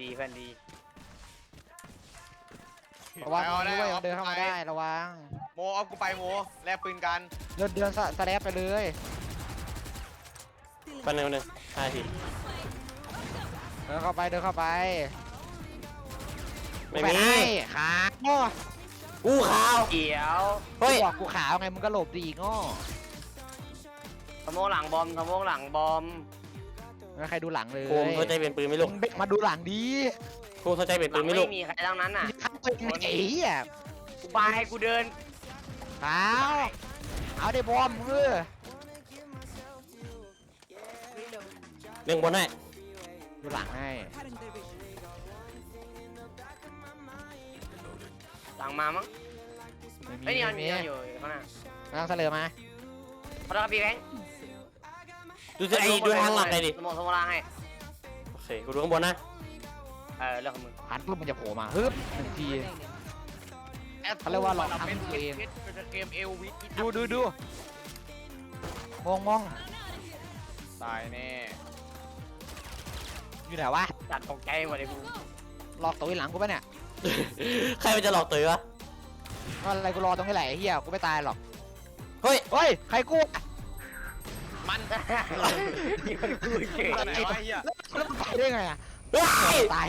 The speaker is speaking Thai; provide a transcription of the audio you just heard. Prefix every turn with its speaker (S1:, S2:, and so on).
S1: เพื่อนดี
S2: ระวังด้วยเดินเข้ามาได้ระวัง
S3: โมเอากูไปโมแลกปืนกัน
S2: เดินสแลปไปเลย
S4: ปันหนึ่ง5 ที
S2: เดินเข้าไป
S4: ไม่มี
S2: ขาโง่
S4: กูขาว
S1: เขียว
S4: เฮ้ย
S2: บอกกูขาวไงมึงก็หลบดีโง่
S1: สโมกหลังบอมสโมกหลังบอม
S2: ไม่ใครดูหลังเลย
S4: โคมเข้าใจเป็นปืนไหม่ลูก
S2: มึงมาดูหลังดี
S4: โคมเข้าใจเป็น
S1: ห
S4: ปื
S1: ลั
S4: น
S1: ง
S4: ไหม่
S1: ไม่
S4: ลูก
S1: มีใครทั้งนั้นน่ะ
S2: ข้าเป็นไอ้เหี้ย
S1: กูบายให้กูเดิน
S2: ขาวเอาได้บอมเออ
S4: เรื่องบนให้
S2: ดูหลังให้
S1: หลังมามั้ง
S2: ไม่มี
S1: ไอ้ยนี่มัน
S2: ไม่
S1: มี
S2: มี
S1: อยู่ข้างหน้า
S2: กำลังเสลอมา
S1: พอแล้วพี่แบงค์
S4: ดูสิไอ้ดูทางหลังเลยดิ
S1: สโมกล่างให้
S4: โอเคกูดูข้างบนนะ
S1: เรื่องของมึง
S2: หันปุ๊บมันจะโผล่มาฮึบหนึ่งที เขาเรียกว่าหลอกทำตัวเอง
S3: เป็นเกมเอลวิ
S2: ดูมอง
S3: ตายแน่
S2: อยู่ไหนวะ
S1: จัดตกใจหมดเลยกู
S2: หลอกตัวหลังกูปะเนี่ย
S4: ใครมันจะหลอกตื่นวะ
S2: ก็อะไรกูรอตรงนี้แหละไอ้เหี้ยกูไม่ตายหรอก
S4: เฮ้ย
S2: เฮ้ยใครกู
S3: มัน
S1: มีคนกูเฉย
S3: ไหนวะไอ้เหี้ย
S2: แล้วมันไปได้ไงอะ
S4: เฮ้ย
S2: ตาย